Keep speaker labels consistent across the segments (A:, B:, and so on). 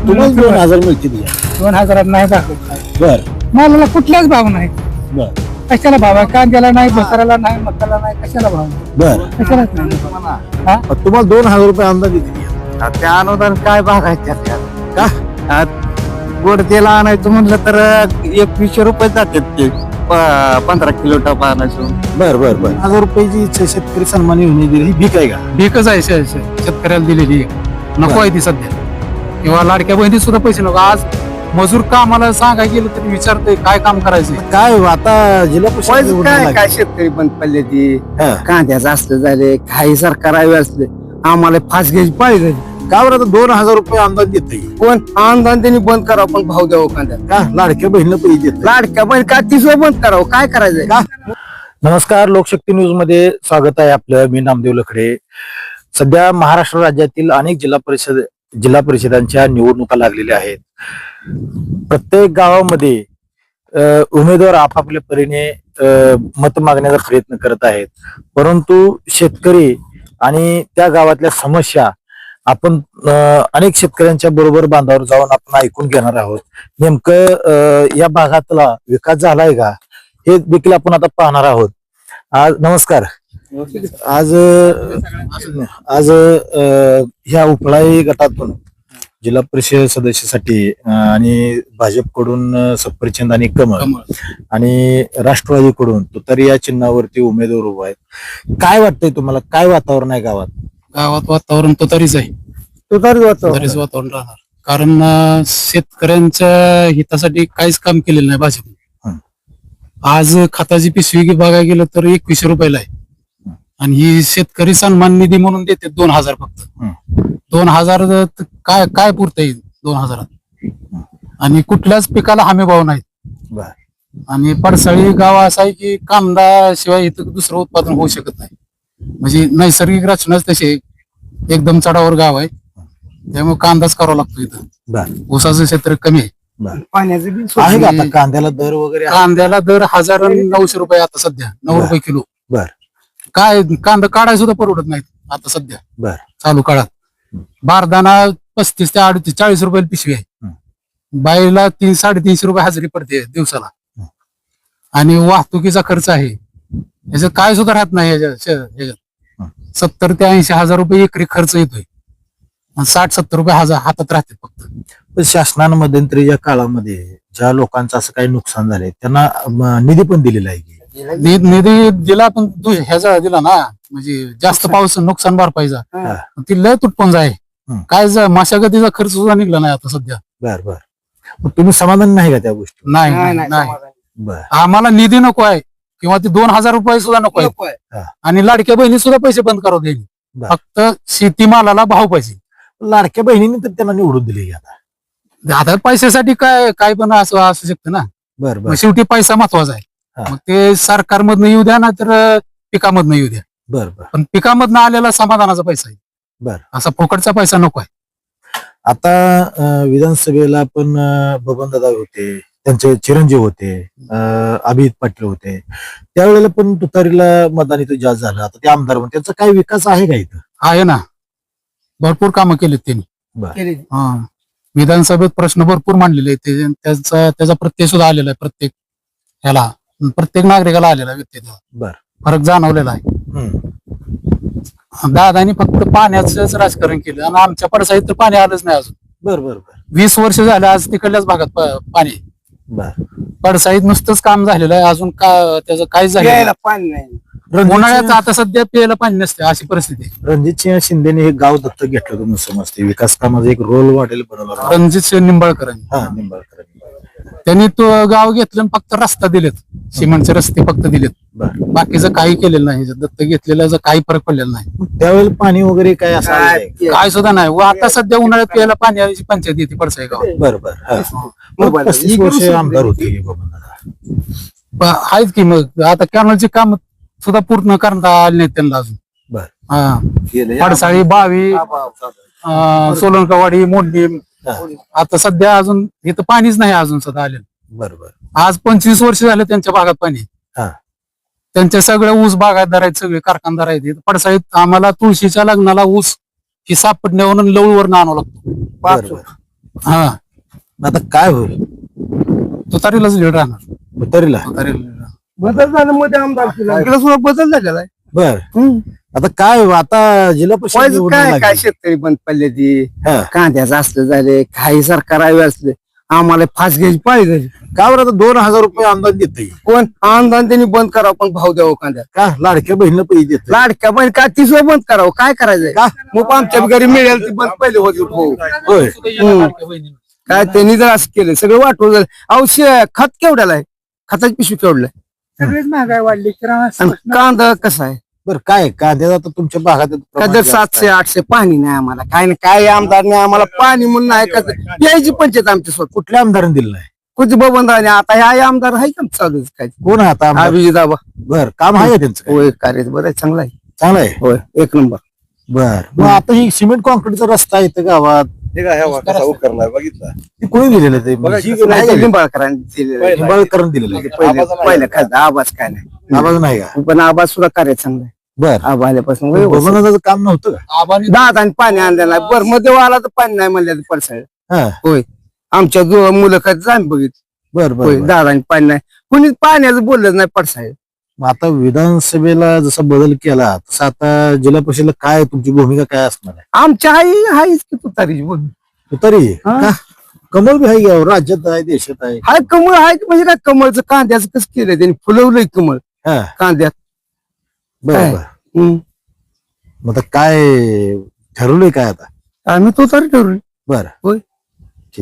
A: तुम्हाला 2000 मिळतील का?
B: 2000 नाही भागत काय.
A: बर
B: मालाला कुठलाच भाव नाही.
A: बर
B: कशाला भाव आहे? कांद्याला नाही, बसाराला नाही, मसाला नाही, कशाला भाव आहे?
A: बर
B: कशालाच नाही. हा?
A: तुम्हाला 2000 रुपये अंदाज येतील का?
C: ते अनुदान काय भागायचं
A: का?
C: गोड तेल आणायचं म्हणलं तर 2100 रुपये जातात ते 15 किलो टप आणायचं.
A: बर बर बर 1000 रुपयाची शेतकरी सन्मान योजना दिली ही भीक आहे का?
B: भीकच आहे शेतकऱ्याला दिलेली नको आहे ती सध्या. किंवा लाडक्या बहिणी सुद्धा पैसे नको. आज मजूर कामाला सांगायला गेलं तरी विचारतोय काय काम करायचं.
A: काय आता जिल्हा परिषद
C: पैसे
A: निवडणूक
C: काय
A: लागली.
C: काय शेतकरी बंद पडले ती
A: हा.
C: कांद्याचं असलं झाले काही सरकार आहे असले आम्हाला फास घ्यायची पाहिजे.
A: का बरं आता 2000 रुपये अंदाज देत
C: कोण अनुदान त्यांनी बंद करावं पण भाव द्यावं कांद्यात.
A: का लाडक्या बहिणीला पैसे देत
C: लाडक्या पण काय तिसरं बंद करावं काय करायचंय
A: का? नमस्कार, लोकशक्ती न्यूज मध्ये स्वागत आहे आपलं. मी नामदेव लखडे. सध्या महाराष्ट्र राज्यातील अनेक जिल्हा परिषदांच्या निवडणुका लागलेल्या आहेत. प्रत्येक गावामध्ये उमेदवार आपापल्या परीने मत मागण्याचा प्रयत्न करत आहेत. परंतु शेतकरी आणि त्या गावातल्या समस्या आपण अनेक शेतकऱ्यांच्या बरोबर बांधावर जाऊन आपण ऐकून घेणार आहोत. नेमकं या भागातला विकास झालाय का हे देखील आपण आता पाहणार आहोत. आज नमस्कार. आज आज ह्या उपळाई गटातून जिल्हा परिषद सदस्यासाठी आणि भाजपकडून सफरचंद आणि कमळ आणि राष्ट्रवादीकडून तुतारी या चिन्हावरती उमेदवार उभा आहेत. काय वाटतंय तुम्हाला? काय वातावरण आहे गावात?
B: गावात वातावरण तो तरीच आहे.
A: तुतारी वातावरण
B: तरीच वातावरण राहणार. कारण शेतकऱ्यांच्या हितासाठी काहीच काम केलेलं नाही भाजपने. आज खताची पिशवी बघायला गेलं तर 2100 रुपयाला आहे. आणि ही शेतकरी सन्मान निधी म्हणून देते 2000 फक्त. 2000 काय काय पुरता येईल 2000? आणि कुठल्याच पिकाला हमी भाव नाही.
A: बर.
B: आणि पडसाळी गाव असं आहे की कांदा शिवाय इथं दुसरं उत्पादन होऊ शकत नाही. म्हणजे नैसर्गिक रचनाच तशी एकदम चढावर गाव आहे. त्यामुळे कांदाच करावा लागतो इथं.
A: बर
B: ऊसाचं क्षेत्र कमी आहे.
C: पाण्याचं बिल
A: आहे का आता कांद्याला दर वगैरे आहे?
B: कांद्याला दर 1900 रुपये आता सध्या 9 रुपये किलो.
A: बर
B: काय कांदा काढाय सुद्धा परवडत नाही आता सध्या
A: बर
B: चालू काळात. बारदाना 35 ते 38 40 रुपये पिशवी आहे. बाईला 300-350 रुपये हजेरी पडते दिवसाला. आणि वाहतुकीचा खर्च आहे याच्यात काय सुद्धा राहत नाही. ह्याच्यात 70 ते 80 हजार रुपये एकरी खर्च येतोय. 60-70 रुपये हातात राहते फक्त.
A: पण शासनानं मध्यंतरीच्या काळामध्ये ज्या लोकांचं असं काही नुकसान झालंय त्यांना निधी पण दिलेला आहे की?
B: निधी दिला पण ह्याचा दिला ना. म्हणजे जास्त पाऊस नुकसान भरपाईचा ती लय तुटपण आहे. काय मशागतीचा खर्च सुद्धा निघला नाही आता सध्या.
A: बर बर. मग तुम्ही समाधान नाही का त्या गोष्टी?
B: नाही.
A: बर
B: आम्हाला निधी नको आहे किंवा ते 2000 रुपये सुद्धा नको आहे. आणि लाडक्या बहिणी सुद्धा पैसे बंद करू द्यायचे.
A: बर.
B: फक्त शेतीमालाला भाव पाहिजे.
A: लाडक्या बहिणीने तर त्यांना निवडून दिली आता.
B: आता पैशासाठी काय पण असं असू शकतं ना.
A: बर
B: मग
A: बर
B: शेवटी पैसा महत्वाचा आहे.
A: हा.
B: मग ते सरकारमधनं येऊ द्या ना तर पिकामधनं येऊ द्या.
A: बर बर
B: पण पिकामधनं आलेला समाधानाचा पैसा आहे.
A: बर.
B: असा फुकटचा पैसा नको आहे.
A: आता विधानसभेला पण बबनदादा होते, त्यांचे चिरंजीव होते, अभिजित पाटील होते. त्यावेळेला पण तुतारीला मतदान इथं जास्त झालं. आता ते आमदार म्हणून त्यांचा काही विकास आहे का इथं?
B: आहे ना. भरपूर कामं केलीत त्यांनी.
A: बर
B: हा. विधानसभेत प्रश्न भरपूर मांडलेले आहेत. त्याचा प्रत्यय सुद्धा आलेला आहे. प्रत्येक नागरिकाला आलेला व्यक्तीचा
A: बर
B: फरक जाणवलेला आहे. दादानी फक्त पाण्याचंच राजकारण केलं आणि आमच्या पडसाईत तर पाणी आलंच नाही अजून.
A: बर बर बर
B: 20 वर्ष झालं आज तिकडल्याच भागात पाणी.
A: बर.
B: पडसाईत नुसतंच काम झालेलं आहे. अजून त्याचं काहीच झालं नाही.
C: पाणी नाही.
B: उन्हाळ्यात आता सध्या प्यायला पाणी नसते अशी परिस्थिती आहे.
A: रणजितसिंह शिंदेने हे गाव दत्तक घेतलं होतं समजते. विकास कामाचा एक रोल मॉडेल बनवला.
B: रणजित निंबाळकरांनी
A: हा निंबाळकर.
B: त्यांनी तो गाव घेतलं आणि फक्त रस्ता दिलेत. सिमेंटचे रस्ते फक्त दिलेत.
A: बर.
B: बाकीचं काही केलेलं नाही. दत्तक घेतलेलं काही फरक पडलेला नाही.
A: त्यावेळेला पाणी वगैरे काय असं आलं नाही?
B: काय सुद्धा नाही. व आता सध्या उन्हाळ्यात प्यायला पाण्याची पंचायत येते पडसाई गावात.
A: बर बर हा. मग 35 वर्ष आमदार होते बबनदादा.
B: आहेत की मग आता कॅनलचे काम सुद्धा पूर्ण करता आले नाहीत त्यांना अजून.
A: बर.
B: हा. पडसाळी, बावी, सोलनकवाडी, मोडणी. आता सध्या अजून इथं पाणीच नाही अजून सुद्धा आलेलं.
A: बर बर.
B: आज 25 वर्ष झाले त्यांच्या भागात पाणी.
A: हा.
B: त्यांच्या सगळ्या ऊस बागायतदार आहेत, सगळे कारखानदार आहेत. पडसाळीत आम्हाला तुळशीच्या लग्नाला ऊस ही सापडण्यावरून लवळवरून आणावं लागतो.
A: बर बर.
B: हा
A: आता काय होईल
B: तुतारीलाच लीड राहणार
A: तुतारीला
B: तुतारीला lead राहणार.
C: बदल झाला मध्ये आमदार इकडे सुद्धा बदल झालेला आहे
A: बर आता काय आता जिल्हा परिषद
C: व्हायचं
A: निवडणूक
C: काय काय
A: लागली.
C: शेतकरी बंद पडले ती
A: हा.
C: कांद्याचं असलं झाले काही सरकार आवे असले आम्हाला फास घ्यायची पाळी झाली
A: का बरं आता 2,000 रुपये अनुदान देत
C: कोण अनुदान त्यांनी बंद करावं पण भाव द्यावं कांद्यात
A: का लाडक्या बहिणीला पैसे देत
C: लाडक्या पण काय तीस बंद करावं काय करायचंय
A: का?
C: मग आमच्या घरी मिळेल ती बंद पहिले होती हो
A: होय
C: काय त्यांनी जर असं केलं सगळं वाटवलं झालं अहो खत केवढ्याला आहे खताची पिशवी केवढला
D: सगळीच महागाई वाढली
C: आणि कांदा कसा आहे
A: बरं काय कांद्याचा आता तुमच्या भागात
C: का दर 700-800 पाणी नाही आम्हाला काय नाही काय आमदार नाही आम्हाला पाणी म्हणून नाही का यायची पंचायत आमच्या स्वतः
A: कुठल्या आमदाराने दिलं नाही
C: कुठे बबन राहिले आता ह्या आमदार आहे का चालू काय
A: कोण आहे आता आमदार?
C: अभिजित आबा
A: बर काम आहे का त्यांचं काय?
C: होय कार्य बरं आहे चांगला आहे
A: चांगलं आहे
C: होय एक नंबर
A: बर मग आता ही सिमेंट कॉन्क्रीटचा रस्ता येतं गावात
E: बघितला
A: ती कोणी दिलेलं आहे ते ही नाही का?
C: लिंबाळकरांनी दिलेलं
A: निंबाळकरांनी दिलेलं आहे.
C: पहिले खास आवाज काय नाही
A: आवाज नाही का
C: पण आवाज सुद्धा कार्य चांगला आहे
A: बर
C: आबा आल्यापासून व्यवस्थित.
A: बबनदादाचं काम नव्हतं का
C: दात आणि पाणी आणलेलं आहे बर मध्ये आला तर पाणी नाही म्हणलं पडसाळ
A: हा
C: होय आमच्या मुलाखत आम्ही बघितलं
A: बर बर
C: होय
A: बर.
C: दादा आणि पाणी नाही कुणी पाण्याचं बोललं नाही पडसाळ
A: मग आता विधानसभेला जसा बदल केला तसं आता जिल्हा परिषदेला काय तुमची भूमिका काय असणार आहे
C: आमच्या हाईच की तुतारीची बोल
A: तरी
C: हा.
A: का कमल बी आहे की राज्यात आहे देशात आहे
C: हाय कमळ हाय की म्हणजे काय कमळचं कांद्याचं कसं केलंय त्यांनी फुलवलंय कमळ
A: हा
C: कांद्यात
A: बर
C: काय?
A: बर
C: हम्म.
A: मग आता काय ठरवलंय काय आता
C: आम्ही तुतारी ठरवली
A: बर
C: होय
A: ठीक.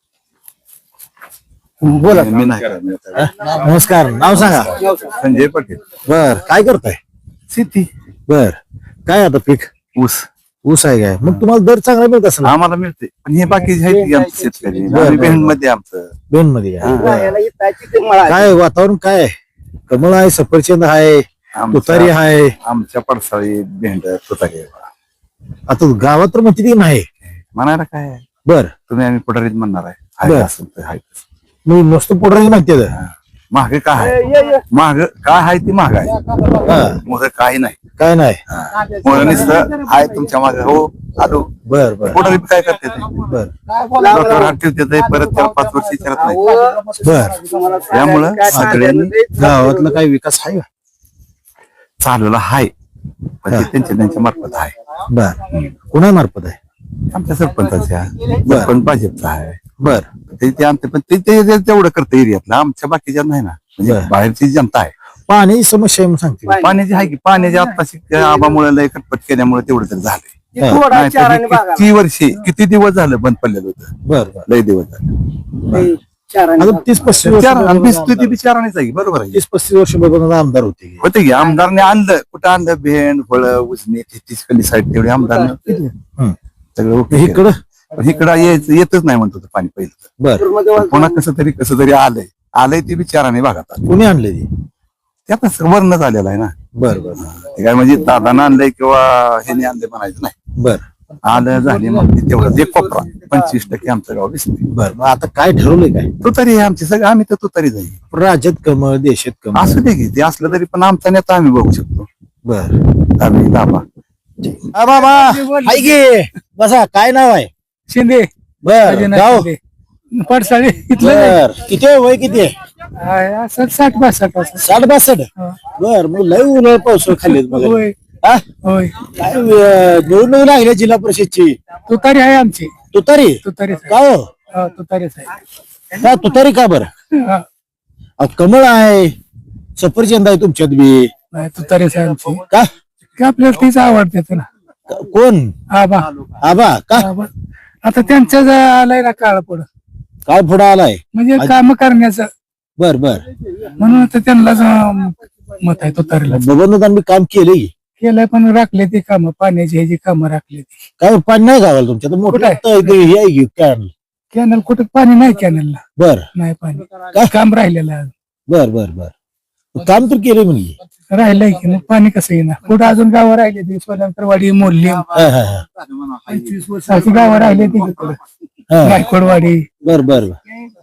C: बोला
E: मी नाही करत.
A: नमस्कार नाव सांगा
E: संजय पाटील
A: बर काय करताय
C: शेती
A: बर काय आता पीक
E: ऊस
A: ऊस आहे काय मग तुम्हाला दर चांगला मिळत असेल
E: आम्हाला मिळते पण हे बाकीचे आहेत की आमचे शेतकरी
A: बरं.
E: बहीण मध्ये आमचं
A: बेन मध्ये काय?
C: राहायला इथं ते मळा आहे.
A: काय वातावरण काय आहे? कमळ आहे सफरचंद आहे तुतारी
E: आमच्या
A: आहे
E: आमच्या पडसाळी भेंड तुतारी आहे.
A: आता गावात तर म्हणते ती नाही
E: म्हणायला काय आहे?
A: बर
E: तुम्ही आम्ही पुढारीत म्हणणार आहे
A: बरं.
E: आहे असं तर आहे तसं.
A: मी नुसतं पोटराची म्हणते
E: महाग काय आहे महाग काय आहे ती महाग आहे मोर काही नाही
A: काय नाही
E: मोर नुसतं आहे तुमच्या मागे हो आलो
A: बर बर
E: पुढारी काय करते ते
A: बर
E: डॉक्टर हात ठेवते ते परत त्याला 5 वर्ष विचारत नाही
A: बर
E: त्यामुळं सगळ्यांनी
A: गावातला काही विकास आहे का
E: चालवला हाय पण ते त्यांच्या मार्फत आहे
A: बर कुणामार्फत आहे
E: आमच्या सरपंचाच्या सरपंच भाजपचा आहे
A: बर
E: ते आमचे पण ते तेवढं करतं एरियातलं आमच्या बाकीच्या नाही ना म्हणजे
A: बरं.
E: बाहेरची जनता आहे
A: पाण्याची समस्या आहे म्हणून सांगते
E: पाण्याची आहे की पाण्याची आत्ताशी आबामुळे लय कटपट केल्यामुळे तेवढं तरी झालंय
A: हा.
C: थोडा
E: नाहीतर
C: चाराने
E: हे
C: बघा.
E: किती वर्षे किती दिवस झालं बंद पडलेलं होतं
A: बर बर
E: लय दिवस झाले
C: चाराने
A: आता
C: बघा.
A: 30-35 वर्ष
E: आणि ती बिचारानेच आहे बरोबर आहे
A: 30-35 वर्ष बघून आमदार होते की.
E: होते की आमदारने आणलं कुठं आणलं भेंड फळ उजनी तीस साईड तेवढी आमदारनं केली.
A: हं.
E: सगळं okay केलं.
A: इकडं
E: पण इकडं येतच नाही म्हणतो ते पाणी पहिलं
A: बर
E: पण पुन्हा कसं तरी आलंय ते बिचाराने भागात आलं
A: कुणी आणले ती
E: ते आता वर्णच आलेला आहे ना
A: बर बर
E: ते काय म्हणजे दादानं आणलंय किंवा ह्याने आणलंय म्हणायचं नाही
A: बर
E: आलं झाली मग ते तेवढं एक कोपरा 25% आमचं गाव दिसते
A: बर मग आता काय ठरवलंय काय
E: तुतारी आहे आमची सगळं आम्ही तर तुतारी जाईल
A: राज्यात कमळ देशात कमळ
E: असू दे की ते असलं तरी पण आमचा नेता आम्ही बघू शकतो
A: बर
E: आम्ही दाबा
A: हा बाबा हाय गे बसा काय नाव आहे
D: शिंदे
A: बर गाव
D: पडसाळी इथलं
A: बर किती आहे वय किती आहे
D: असं 60-62 असं
A: 60-62 बर मग लय उन्हाळ पाऊस खाल्लेत मग
D: होय
A: हा?
D: होय
A: काय निवडणूक लागल्या जिल्हा परिषदची
D: तुतारी आहे आमची
A: तुतारी
D: तुतारीच
A: का हो
D: आहे तुतारीच आहे
A: का तुतारी का बरं
D: हा.
A: अहो, कमळ आहे सफरचंद आहे तुमच्यात बी
D: नाही तुतारीच आहे आमची
A: का
D: की आपल्याला तीच आवडते तुला
A: कोण
D: आबा
A: आबा का
D: आबा आता त्यांचं आलंय ना काळ पुढं
A: काय पुढे आलाय
D: म्हणजे काम करण्याचं
A: बर बर
D: म्हणून आता त्यांनाच मत आहे तुतारीला
A: बबनदान मी काम केलंय
D: केलंय पण राखले ती कामं पाण्याची ह्याची कामं राखली ती
A: काय पाणी नाही गावाला तुमच्या तर मोठं
D: कुठं आहे?
A: आता इथे हे आहे की कॅनल
D: कॅनल कुठं पाणी नाही कॅनलला
A: बर
D: नाही पाणी काम राहिलेलं आहे.
A: बर बर बर काम तर केलंय म्हणजे
D: राहिलंय की मग पाणी कसं येणार कुठं अजून गावं राहिले ती सोलंकरवाडी मोरली
A: हा, हा, हा.
D: 25 वर्षाची गावं राहिले ती
A: हा.
D: गायकवाडवाडी
A: बर बर बर.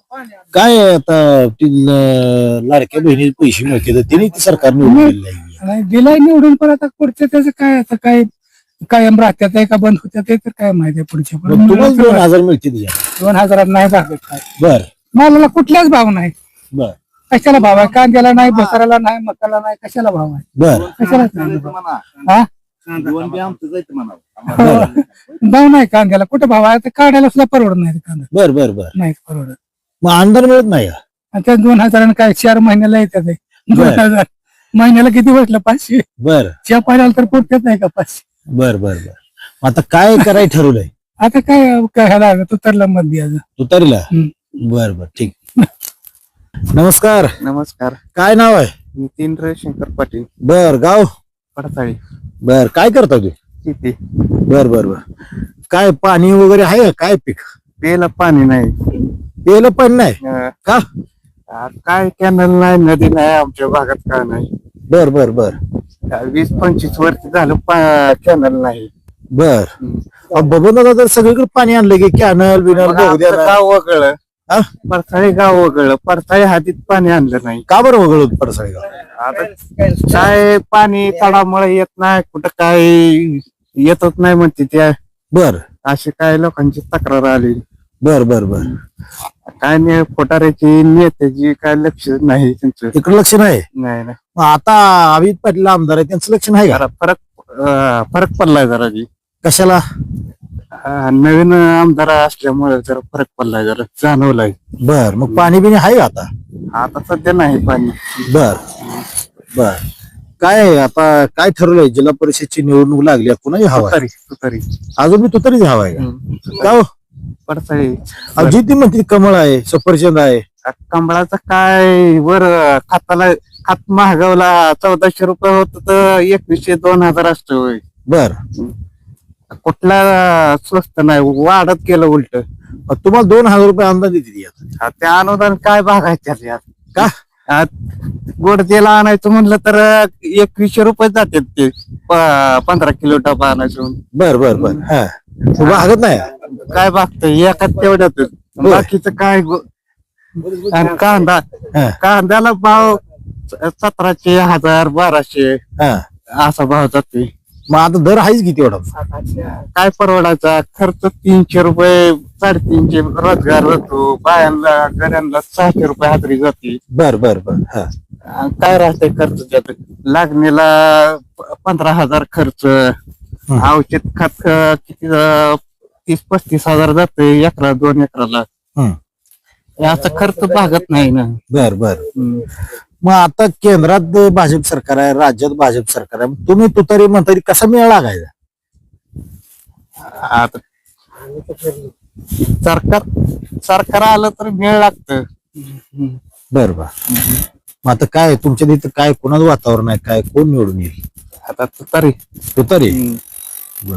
A: काय आहे आता ती लाडक्या बहिणी पैसे मिळते तर तिने ती सरकार निवडून दिलेलं आहे.
D: आणि दिलाय निवडून पण आता पुढचं त्याचं काय आता काय कायम राहत्यात आहे का बंद होत्यात आहे तर काय माहिती आहे पुढच्या
A: मग तुम्हाला 2,000 मिळते तिच्या
D: 2000 नाही भागत काय.
A: बर
D: मालाला कुठलाच भाव नाही.
A: बर
D: कशाला भाव आहे? कांद्याला नाही, बसाराला नाही, मकाला नाही, कशाला भाव आहे?
A: बर
D: कशालाच नाही भाव. हा?
A: बर
D: भाव नाही कांद्याला, कुठं भाव आहे? ते काढायला सुद्धा परवडत नाही ते कांदा,
A: बर बर बर
D: नाही परवडत.
A: मग अनुदान मिळत नाही का?
D: आणि त्या 2000 काय 4 महिन्याला येतात ते. 2000 महिन्याला किती बसलं? 500.
A: बर
D: च्या पाण्याला तर पोटत नाही का 500?
A: बर बर बर मग आता काय करायला ठरवलंय
D: आता काय काय ह्याला तुतारला मत द्यायचं.
A: तुतारीला?
D: हम्म.
A: बर बर ठीक. नमस्कार,
C: नमस्कार,
A: काय नाव आहे?
C: नितीन रविशंकर पाटील,
A: बर गाव?
C: पडसाळी,
A: बर काय करता तू?
C: शेती.
A: बर बर बर काय पाणी वगैरे आहे का? काय पीक?
C: प्यायला पाणी नाही.
A: प्यायला पाणी नाही का?
C: काय कॅनल नाही, नदी नाही, आमच्या भागात काय नाही.
A: बर बर बर
C: 20-25 वर्ष झालं कॅनल नाही.
A: बर बबन दादा तर सगळीकडे पाणी आणलं की कॅनल बिनल
C: मग
A: बघू
C: आमचं
A: द्या.
C: गाव वगळं,
A: हा?
C: पडसाळी गाव वगळं, पडसाळी हातीत पाणी आणलं नाही.
A: का बरं वगळत पडसाळी गाव?
C: आता काय पाणी तडामुळे येत नाही, कुठं काय येतच नाही म्हणते त्या.
A: बर
C: अशी काय लोकांची तक्रार आली.
A: बर बर बर
C: काय नाही, फोटाऱ्याची नेत्याची काय लक्ष नाही त्यांचं.
A: इकडे लक्ष नाही.
C: नाही नाही,
A: मग आता अमित पाटील आमदार आहे त्यांचं लक्ष नाही का?
C: जरा फरक पडलाय जरा जी.
A: कशाला?
C: नवीन आमदार असल्यामुळे जरा फरक पडलाय, जरा जाणवलाय.
A: बर मग पाणी बिणी आहे का आता?
C: आता सध्या नाही पाणी.
A: बर बर काय आहे आता? काय ठरवलंय? जिल्हा परिषदची निवडणूक लागली आहे, कुणाची हवा आहे?
C: तुतारी
A: अजून मी तुतारीच हवा आहे का? का हो?
C: पडसाळी.
A: जी ती म्हणते कमळ आहे, सफरचंद आहे.
C: कमळाचं काय वर खात महागावला 1400 रुपये होत तर 2100-2000 असतं होय.
A: बर
C: कुठला स्वस्त नाही, वाढत गेलं उलट.
A: मग तुम्हाला 2000 रुपये अनुदान देते यात.
C: ते अनुदान काय भागायचं यात?
A: का?
C: गोड तेल आणायचं म्हणलं तर 2100 रुपये जातात ते 15 किलो डबा आणायचं.
A: बर बर बर हा भागत नाही.
C: काय भागतंय एकाच तेवढ्यात, बाकीचं काय आणि कांद्याला भाव 1700, 1000, 1200
A: हा
C: असा भाव जातोय.
A: मग आता दर आहेच किती एवढा?
C: काय परवडायचा खर्च? 300 रुपये, 350 रोजगार जातो बायांना, गड्यांना 600 रुपये हातरी जाते.
A: बर बर बर हा
C: काय राहतंय खर्च त्यात? लागणीला 15,000 खर्च, औषध खत किती 30-35 हजार जाते एकरा 2 एकराला. हे असं खर्च भागत नाही ना.
A: बर बर मग आता केंद्रात भाजप सरकार आहे, राज्यात भाजप सरकार आहे, मग तुम्ही तुतारी म्हणता कसा मेळ लागायचा?
C: आता सरकार आलं तर मेळ लागतं.
A: बर बर मग आता काय तुमच्या तिथं काय कोणाचं वातावरण आहे? काय कोण निवडून येईल?
C: आता तुतारी.
A: तुतारी? बर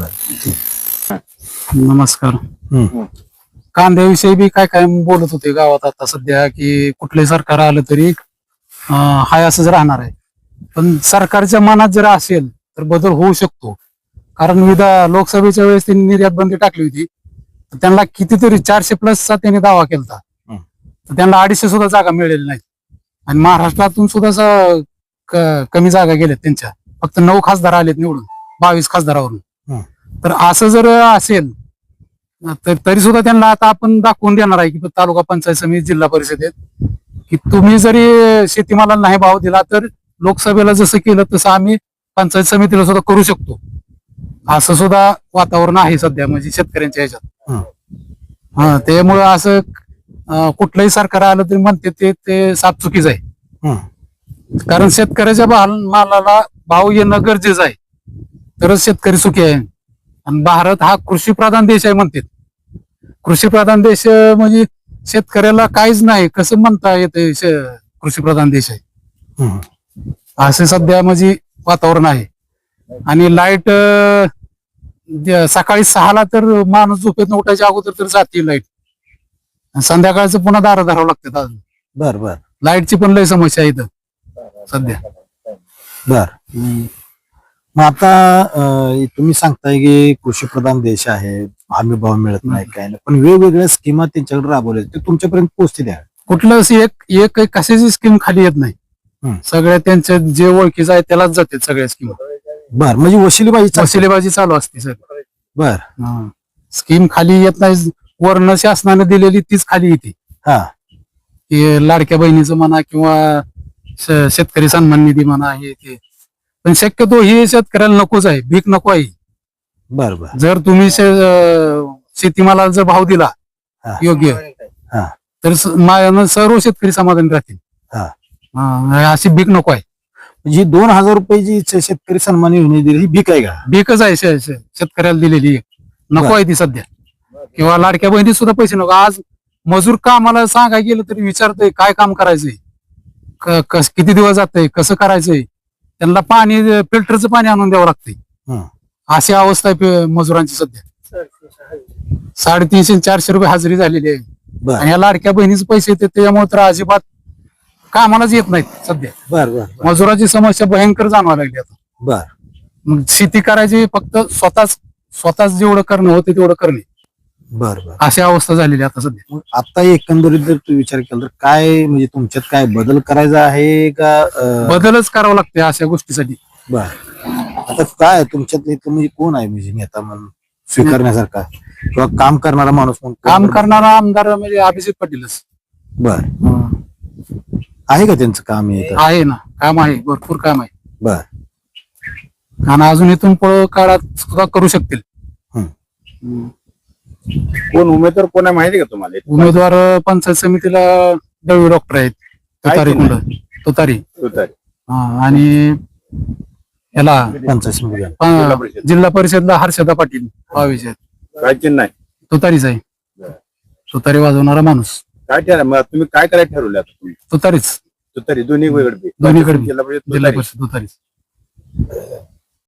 B: नमस्कार. कांद्याविषयी बी काय काय बोलत होते गावात आता सध्या, की कुठलंही सरकार आलं तरी हाय असंच राहणार आहे. पण सरकारच्या मनात जर असेल तर बदल होऊ शकतो. कारण लोकसभेच्या वेळेस त्यांनी निर्यात बंदी टाकली होती, तर त्यांना कितीतरी 400+ त्यांनी दावा केला, तर त्यांना 250 सुद्धा जागा मिळेल नाही. आणि महाराष्ट्रातून सुद्धा कमी जागा गेल्यात त्यांच्या, फक्त 9 खासदार आलेत निवडून 22 खासदारावरून. तर असं जर असेल तर तरी सुद्धा त्यांना आता आपण दाखवून देणार आहे की तालुका पंचायत समिती, जिल्हा परिषदेत, की तुम्ही जरी शेतीमालाला नाही भाव दिला तर लोकसभेला जसं केलं तसं आम्ही पंचायत समितीला सुद्धा करू शकतो. असं सुद्धा वातावरण आहे सध्या म्हणजे शेतकऱ्यांच्या ह्याच्यात. त्यामुळं असं कुठलंही सरकार आलं तरी म्हणते ते साफ चुकीच आहे. कारण शेतकऱ्याच्या मालाला भाव येणं गरजेचं आहे, तरच शेतकरी सुखी आहे. आणि भारत हा कृषीप्रधान देश आहे म्हणते. कृषीप्रधान देश म्हणजे शेतकऱ्याला काहीच नाही कसं म्हणता येते कृषीप्रधान देश आहे, असे सध्या म्हणजे वातावरण आहे. आणि लाईट सकाळी 6ला तर माणूस झोपेत उठायच्या अगोदर तर जाते लाईट, संध्याकाळचं पुन्हा दारं धरावं लागतात अजून.
A: बर बर
B: लाईटची पण लय समस्या आहे इथं सध्या.
A: बर मग आता तुम्ही सांगताय की कृषीप्रधान देश आहे, हमी भाव मिळत नाही काय नाही, पण वेगवेगळ्या स्कीमा त्यांच्याकडे राबवल्या ते तुमच्यापर्यंत पोहोचते द्या.
B: कुठलं एक कशाची स्कीम खाली येत नाही. सगळ्या त्यांच्या जे ओळखीचं आहे त्यालाच जाते सगळ्या स्कीम.
A: बर म्हणजे वशिलेबाजी
B: चालू असते सर.
A: बर
B: स्कीम खाली येत नाही. वर्ण शासनाने दिलेली तीच खाली येते
A: हा
B: की लाडक्या बहिणीचं म्हणा किंवा शेतकरी सन्मान निधी म्हणा हे ते. पण शक्यतो हे शेतकऱ्याला नकोच आहे, भीक नको आहे.
A: बर बर
B: जर तुम्ही शेतीमालाला जर भाव दिला
A: हा.
B: योग्य
A: हा.
B: तर सर्व शेतकरी समाधानी राहतील.
A: हा.
B: अशी भीक नको आहे.
A: जी 2,000 रुपयाची शेतकरी सन्मान योजना दिली ही भीक आहे का?
B: भीकच आहे शेतकऱ्याला दिलेली एक. नको आहे ती सध्या. किंवा लाडक्या बहिणीत सुद्धा पैसे नको. आज मजूर कामाला सांगाय गेलं तरी विचारतोय काय काम करायचंय, किती दिवस जातंय, कसं करायचंय. त्यांना पाणी फिल्टरचं पाणी आणून द्यावं लागतंय.
A: हं.
B: अशी अवस्था आहे मजुरांची सध्या. 350-400 रुपये हजेरी झालेली आहे.
A: बर
B: आणि या लाडक्या बहिणीचे पैसे येते त्याच्यामुळे तर अजिबात कामालाच येत नाहीत सध्या.
A: बर बर
B: मजुराची समस्या भयंकर जाणवायला लागली आता.
A: बर
B: मग शेती करायची फक्त स्वतःच जेवढं करणं होते तेवढं करणे,
A: बर बर
B: अशी अवस्था झालेली आहे आता सध्या.
A: मग आता एकंदरीत जर तू विचार केला तर काय म्हणजे तुमच्यात काय बदल करायचा आहे का?
B: बदलच करावा लागते अशा गोष्टीसाठी.
A: बर आता काय तुमच्यात इथं म्हणजे कोण आहे म्हणजे नेता म्हणून स्वीकारण्यासारखा किंवा काम करणारा माणूस म्हणून
B: काम करणारा आमदार म्हणजे अभिजित पाटीलच
A: बर आहे का त्यांचं काम हे इथं?
B: आहे ना. काम आहे, भरपूर काम आहे.
A: बर
B: आणि अजून इथून पुढे काळात सुद्धा करू शकतील.
E: कोण उमेदवार कोण आहे माहिती का तुम्हाला?
B: उमेदवार पंचायत समितीला दळवी डॉक्टर आहेत, तुतारी
E: काय
B: कुंड तुतारी.
E: तुतारी.
B: आणि याला
A: पंचायत समिती
B: जिल्हा परिषदला हर्षदा पाटील भावेचे आहेत.
E: काय चिन्ह आहे?
B: तुतारीच आहे. तुतारी वाजवणारा माणूस
E: काय ठरलं मग तुम्ही काय करायला ठरवलं आता तुम्ही?
B: तुतारीच.
E: तुतारी दोन्ही वेगळे
B: दोन्हीकडे
E: जिल्हा परिषद
B: जिल्हा
E: तुतारी.
B: परिषद तुतारीच.